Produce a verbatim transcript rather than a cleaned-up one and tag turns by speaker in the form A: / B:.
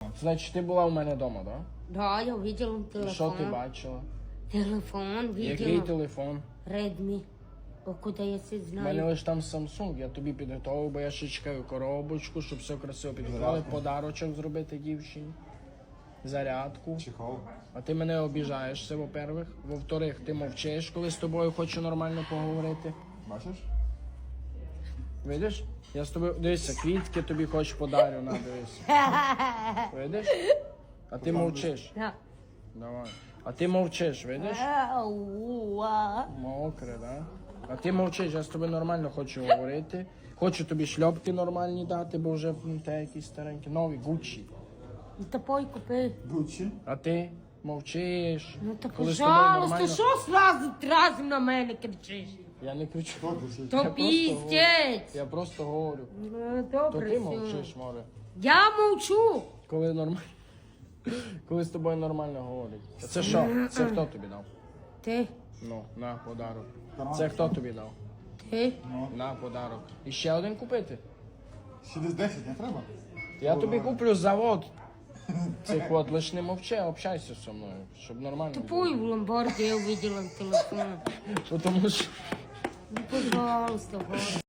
A: Значить, ти була у мене вдома, так?
B: Да, я видела
A: І
B: телефон.
A: що ти бачила?
B: Телефон
A: Який
B: видела.
A: телефон?
B: Redmi. О, куди я це
A: У мене
B: знаю?
A: лише там Samsung, я тобі підготував, бо я ще чекаю коробочку, щоб все красиво підготували, подарочок зробити дівчині, зарядку.
C: Чехол.
A: А ти мене обіжаєш, це, во-первых. Во-вторых, ти мовчиш, коли з тобою хочу нормально поговорити.
C: Бачиш?
A: Видиш? Я з тобою, дивися, квітки тобі хоч подарю, на, дивися. Видиш? А ти мовчиш.
B: Да.
A: Давай. А ти мовчиш, видиш?
B: Ауа.
A: Мокре, да? А ти мовчиш, я з тобою нормально хочу говорити. Хочу тобі шльопки нормальні дати, бо вже м, те якісь старенькі. Нові, Гуччі.
B: Ну та пой купи.
C: Гуччі.
A: А ти мовчиш.
B: Ну та
A: Коли з тобою
B: пожалуйста,
A: нормально-
B: що сразу разом на мене кричиш?
A: Я не кричу.
C: Хто кричить?
B: То
A: просто
B: піздець.
A: Я просто говорю.
B: Ну,
A: То
B: добре,
A: ти
B: все.
A: мовчиш, море.
B: Я мовчу.
A: Коли нормально. Коли з тобою нормально говорять. А це що? Це хто тобі дав?
B: Ти,
A: Ну, на подарок. Це хто тобі дав?
B: ти.
A: На подарок. І ще один купити?
C: Ще десь десять не треба?
A: Я тобі куплю завод. Цих от, лиш не мовчи, а общайся зі мною, щоб нормально
B: Тупой в ломбарді я увидела телефон.
A: було. Тому що
B: Ну, пожалуйста, Господи.